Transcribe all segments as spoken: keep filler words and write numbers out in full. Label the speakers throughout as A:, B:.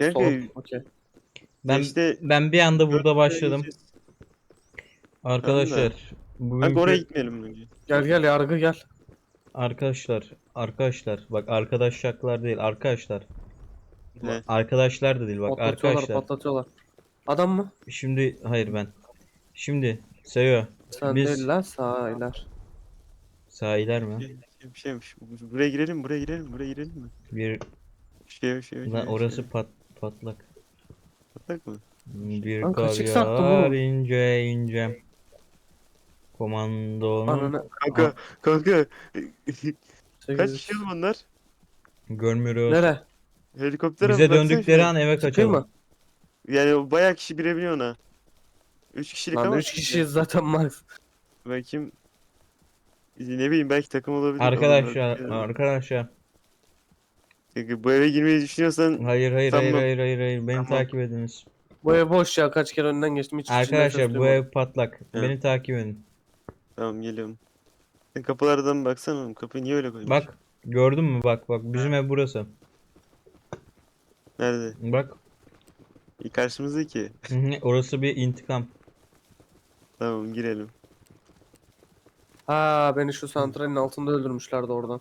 A: Kanka
B: Sol. Okey.
A: ben
C: Ben
A: işte
C: ben bir anda burada
A: dört
C: başladım.
A: gideceğiz. Tamam da.
C: Arkadaşlar
A: Kanka oraya
C: bugünkü
A: gitmeyelim önce.
B: Gel gel yargı gel.
C: arkadaşlar arkadaşlar bak arkadaşlar değil arkadaşlar.
A: He.
C: Arkadaşlar da değil bak
B: Patlatıyorlar
C: arkadaşlar.
B: patlatıyorlar. Adam mı?
C: Şimdi hayır ben. Şimdi Seyo
B: Sen
C: biz
B: değil lan sahiler.
C: sahiler mi?
A: Şey, bir şeymiş. Buraya girelim, buraya girelim, buraya girelim mi?
C: Bir
A: Şey, şey,
C: lan
A: şey,
C: orası
A: şey.
C: pat patlak.
A: Patlak mı?
C: Bir
B: Lan
C: kar
B: kaç x attım
C: yağar
B: oğlum?
C: ince ince. Komandonun
B: Ananı
A: Kanka, kanka. Kaç
B: sekiz
A: kişi
B: x.
A: oğlum onlar?
C: görmüyoruz.
B: Nere?
A: Helikoptere mi?
C: Bize
A: Baksana
C: döndükleri
A: şuna.
C: an eve
B: Çıkayım
C: kaçalım.
B: mı?
A: Yani o bayağı kişi binebiliyor ona. Üç kişilik
B: Lan
A: ama.
B: üç kişiyiz zaten max.
A: Belki ne bileyim belki takım olabilir.
C: Arkadaşlar
A: Olabilir.
C: arkadaşlar.
A: Kanka, bu eve girmeyi düşünüyorsan
C: Hayır hayır hayır
A: sanmam.
C: hayır hayır hayır beni
A: Tamam.
C: takip ediniz.
B: Bu ev boş ya, kaç kere önünden geçtim, hiç içinden ses
C: Arkadaşlar bu
B: duymadım.
C: ev patlak.
A: He.
C: Beni takip edin.
A: Tamam geliyorum. Sen kapılardan baksana oğlum. Kapıyı niye öyle koymuş?
C: Bak gördün mü bak bak bizim ev burası.
A: Nerede?
C: Bak
A: İyi, karşımızdaki.
C: hı hı, orası bir intikam.
A: Tamam girelim.
B: Ha, beni şu santralin altında öldürmüşlerdi oradan.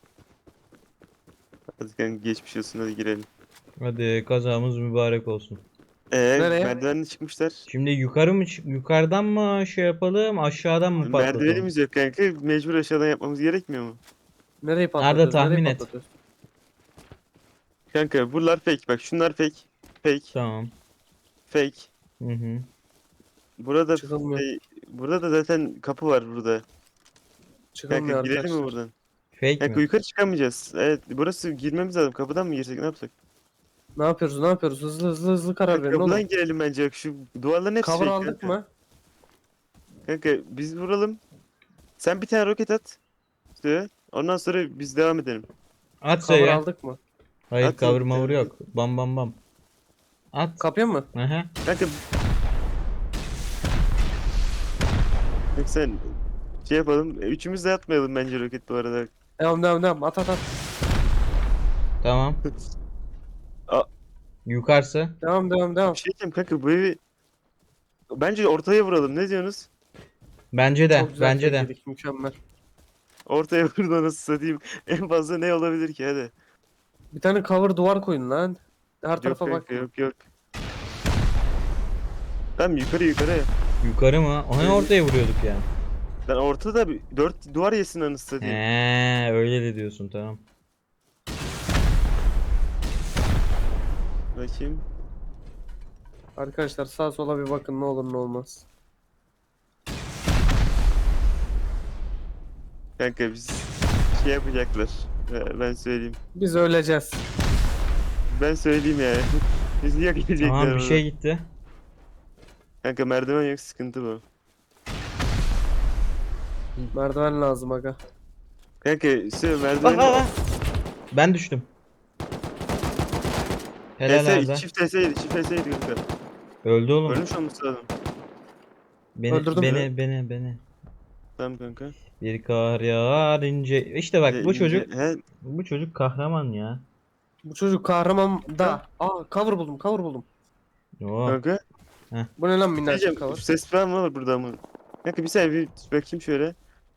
A: Hadi kanka geçmiş olsun, hadi girelim.
C: Hadi kazamız mübarek olsun.
A: Eee
B: Nereye?
A: merdivenle çıkmışlar.
C: Şimdi yukarı mı çık- yukarıdan mı şey yapalım aşağıdan mı patlatalım?
A: Merdivenimiz yok kanka. Mecbur aşağıdan yapmamız gerekmiyor mu?
B: Nereyi patlatıyoruz?
C: tahmin
B: Nereyi
C: et.
B: patlatıyoruz?
A: Kanka buralar fake. Bak şunlar fake. Fake.
C: Tamam.
A: Fake.
C: Hı hı.
A: Burada
B: Çıkılmıyor.
A: şey, burada da zaten kapı var burada. Kanka
B: Çıkılmıyor
A: girelim mi
B: arkadaşlar.
A: buradan?
C: Fake
A: Kanka
C: mi?
A: yukarı çıkamayacağız. Evet, burası girmemiz lazım. Kapıdan mı girsek, ne yapsak?
B: Ne yapıyoruz? Ne yapıyoruz? Hızlı hızlı hızlı karar
A: Kanka,
B: verin
A: kapıdan
B: oğlum.
A: girelim bence. Bak şu duvarların hepsi
B: Cover
A: fake
B: aldık
A: kanka.
B: mı?
A: Kanka biz vuralım. Sen bir tane roket at. İşte ondan sonra biz devam edelim.
C: At
B: Cover
C: ya.
B: aldık mı?
C: Hayır
A: At
C: cover
A: bir
C: mavur
A: tane.
C: yok. Bam bam bam. At.
B: Kapıya mı?
C: Aha.
A: Kanka Bak sen şey yapalım. Üçümüz de atmayalım bence roket bu arada.
B: Devam devam devam. At at at.
C: Tamam.
A: Aa.
C: Yukarısı.
B: Devam devam devam.
A: Bir şey diyeceğim kanka, bu evi bence ortaya vuralım. Ne diyorsunuz?
C: Bence de.
B: Çok güzel
C: Bence de.
B: teknik, mükemmel.
A: Ortaya vurda nasıl satayım? En fazla ne olabilir ki, hadi.
B: Bir tane cover duvar koyun lan. Her
A: Yok
B: tarafa bak.
A: kanka, yok yok. Tamam yukarı yukarı.
C: Yukarı mı? Onu ortaya vuruyorduk ya.
A: Ben ortada bir dört duvar yesin anasını satayım.
C: He, öyle de diyorsun tamam.
A: Bakayım.
B: Arkadaşlar sağa sola bir bakın, ne olur ne olmaz.
A: Kanka biz şey yapacaklar. Ee, Ben söyleyeyim.
B: Biz öleceğiz.
A: Ben söyleyeyim yani. Biz niye gelecekler
C: Tamam bir
A: orada?
C: şey gitti.
A: Kanka merdiven yok, sıkıntı bu.
B: Merdiven lazım aga.
A: Kanka şey
C: Bak
A: merdiven.
C: bak bak. Ben düştüm. Helal
A: T S,
C: Arda.
A: çift T S'ydi, çift T S'ydi kanka.
C: Öldü oğlum.
A: Ölmüş olması lazım.
C: Beni
B: Öldürdüm
C: beni beni beni.
A: Tamam kanka.
C: Bir kar yağar ince. İşte bak
A: Ee,
C: bu
A: ince-
C: çocuk
A: He,
C: bu çocuk kahraman ya.
B: Bu çocuk kahraman da. Aa, cover buldum cover buldum.
C: Oo.
A: kanka.
B: Bu ne lan,
A: Diyeceğim,
B: minnacık cover.
A: ses falan var burada ama. Kanka bir saniye bir bakayım şöyle.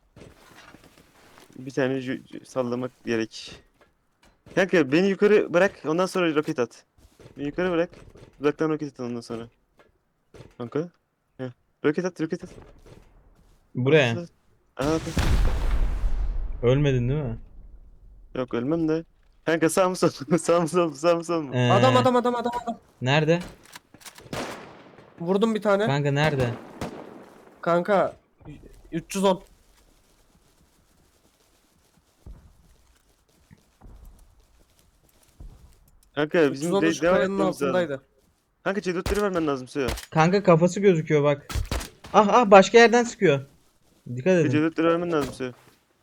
A: Bir tane ju- ju- sallamak gerek. Kanka beni yukarı bırak, ondan sonra roket at. Beni yukarı bırak. Uzaktan roket at ondan sonra. Kanka. Heh. Roket at, roket at.
C: Buraya.
A: Roket at. Aa, bak.
C: Ölmedin değil mi?
A: Yok ölmem de. Kanka sağ mı sol mu? Sağ mı sol mu? Sağ mı sol mu?
C: Ee,
B: Adam adam adam adam adam.
C: Nerede?
B: Vurdum bir tane.
C: Kanka nerede?
B: Kanka üç yüz on.
A: Kanka bizim
B: üç yüz on
A: de
B: şu
A: devam
B: kayanın
A: etmemiz lazım.
B: altındaydı.
A: Kanka C dörtleri vermen lazım Suya.
C: Kanka kafası gözüküyor bak. Ah ah başka yerden sıkıyor. Dikkat
A: C
C: edin.
A: dörtleri vermen lazım Suya.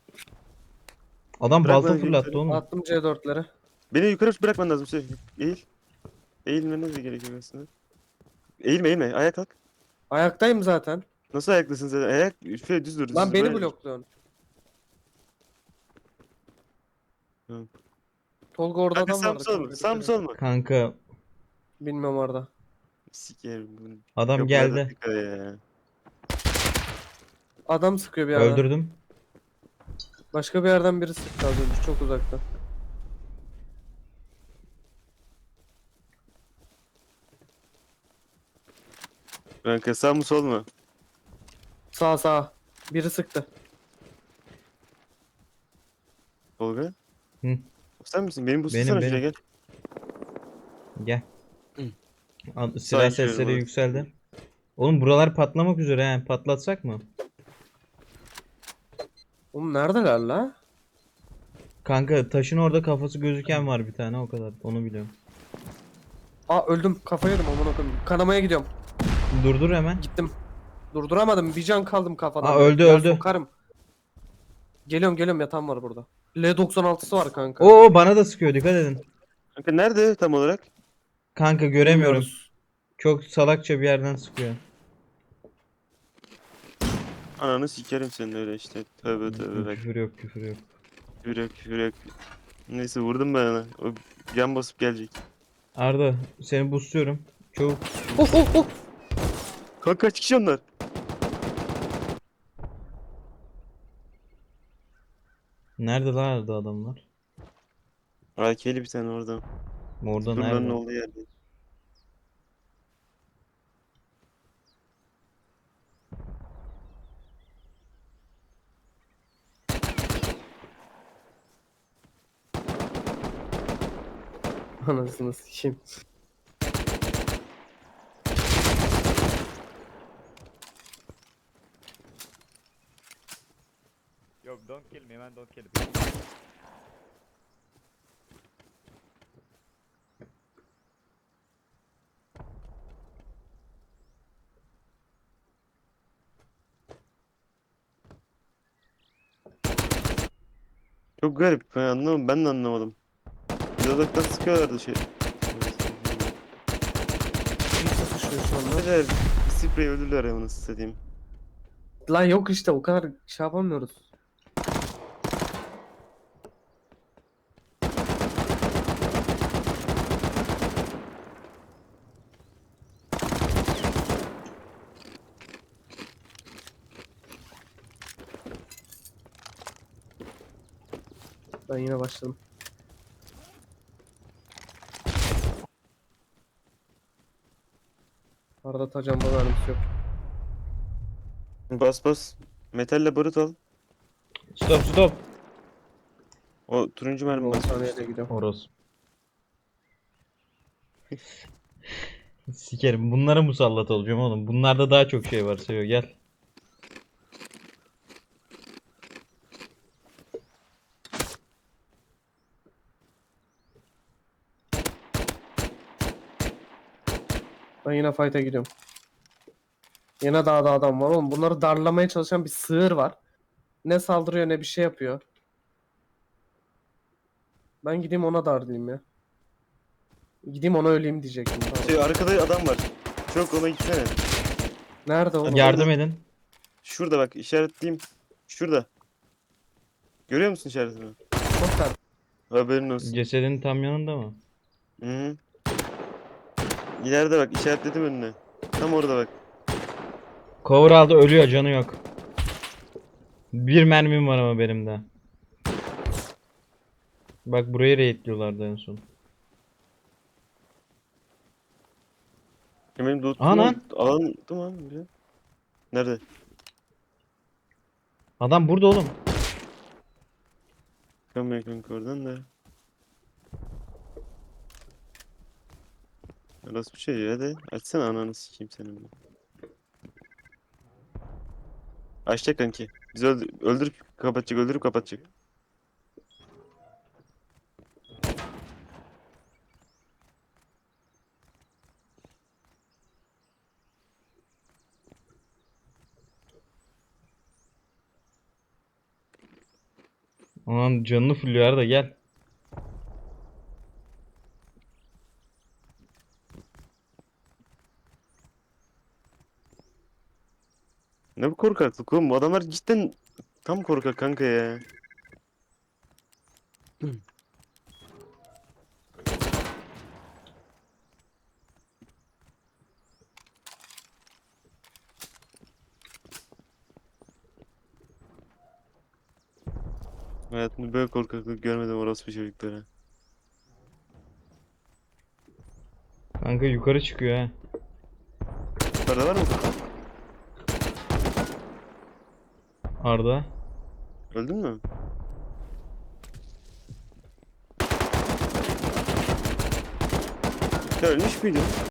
C: Adam
A: Bırak
C: balta
A: bana
C: fırlattı
A: yukarı.
C: oğlum.
B: Attım C dörtleri.
A: Beni yukarı bırakman lazım Suya. Eğil. Eğilmeniz de gerekiyor aslında. Eğilme eğilme. Ayağa kalk.
B: Ayaktayım zaten.
A: Nasıl ayaklısın sen? Ayak şöyle düz dur. Düz
B: Lan
A: dur,
B: beni
A: böyle dur.
B: blokluyorsun.
A: Tamam.
B: Tolga orada
A: Kanka
B: adam
A: sağ mı
B: vardı.
A: sol mu?
B: kanka,
A: Sağ mı
B: dikkat et.
A: sol mu?
C: Kanka
B: Bilmem orada.
A: Sikerim bunu.
C: Adam
A: Kapılarda
C: geldi.
A: dikkat ya.
B: Adam sıkıyor bir yerden.
C: Öldürdüm.
B: Başka bir yerden biri sıktı az önce çok uzakta.
A: Kanka sağ mı sol mu?
B: Sağ sağ. Biri sıktı.
A: Tolga?
C: Hı.
A: O sen misin? Benim bu
C: Benim,
A: sana şuraya
C: benim.
A: gel.
C: Gel.
A: Hı.
C: Al-
A: Sağa
C: Silah
A: giriyorum
C: sesleri
A: orada.
C: yükseldi. Oğlum buralar patlamak üzere he. Patlatsak mı?
B: Oğlum neredeler la?
C: Kanka taşın orada kafası gözüken var bir tane o kadar. Onu biliyorum.
B: Aa öldüm. Kafayı yedim aman okuyayım. Kanamaya gidiyorum.
C: Durdur hemen.
B: Gittim. Durduramadım. Bir can kaldım kafadan.
C: Aa, öldü,
B: Ya
C: öldü.
B: sokarım. Geliyorum geliyorum yatan var burada. L doksan altısı var kanka.
C: Oo bana da sıkıyor dikkat edin.
A: Kanka nerede tam olarak?
C: Kanka göremiyorum.
B: Bilmiyoruz.
C: Çok salakça bir yerden sıkıyor.
A: Ananı sikerim senin öyle işte. Tövbe tövbe bak.
C: Küfür yok küfür yok.
A: Küfür yok küfür yok. Neyse vurdum ben ona. O yan basıp gelecek.
C: Arda seni boostluyorum. Çabuk.
B: Of of of.
A: Kanka kaç kişi onlar?
C: Nerede lan Arda adamlar?
A: A K'li bir tane orada.
C: Orada
A: Durların
C: nerede?
A: olduğu yerde.
B: Anasını sikeyim.
D: Yo, don't kill me, man. Don't kill me.
A: Çok garip. Ben anlamadım. Ben de anlamadım. Bir de uzaktan sıkıyorlardı şey.
B: Kim sıkışıyor şu anda?
A: Neler? Bir sprey öldürdüler ya nasıl satayım.
B: Lan yok işte o kadar şey yapamıyoruz. Ben yine başladım. Arada tacan bana mermisi yok.
A: Bas bas. Metalle barut al.
C: Stop stop.
A: O turuncu mermi
B: on
A: bas.
B: saniyede gidiyorum.
C: Orası. Sikerim. Bunlara musallat olacağım oğlum. Bunlarda daha çok şey var. Seviyor gel.
B: Ben yine fight'a gidiyorum. Yine dağda adam var oğlum. Bunları darlamaya çalışan bir sığır var. Ne saldırıyor ne bir şey yapıyor. Ben gideyim ona darlayayım ya. Gideyim ona öleyim diyecektim. Pardon.
A: Şey arkada adam var. Çok ona gitsene.
B: Nerede oğlum?
C: Yardım edin.
A: Şurada bak işaretleyeyim. Şurada. Görüyor musun işaretini?
B: Çok ter.
A: Haberin olsun.
C: Cesedin tam yanında mı?
A: Hı -hı. İleride bak işaretledim önüne. Tam orada bak.
C: Cover aldı ölüyor canı yok. Bir mermim var ama benim de. Bak burayı raidliyorlardı en son.
A: Ya benim loot'um
C: Anan.
A: alan tamam bile. Nerede?
C: Adam burada oğlum.
A: Çıkamıyor kanka oradan da. Nasıl bir şey ya hadi. Açsana ananı sikeyim senin bu. Açacak kanki. Bizi öldür öldürüp kapatacak öldürüp kapatacak.
C: Aman canını fulluyor da gel.
A: Ne bu korkaklık oğlum? Bu adamlar cidden tam korkak kanka ya. Hayatımda böyle korkaklık görmedim orospu çocuklara.
C: Kanka yukarı çıkıyor ha.
A: Yukarıda var mı?
C: Arda.
A: Öldün mü? Sen ölmüş müydün?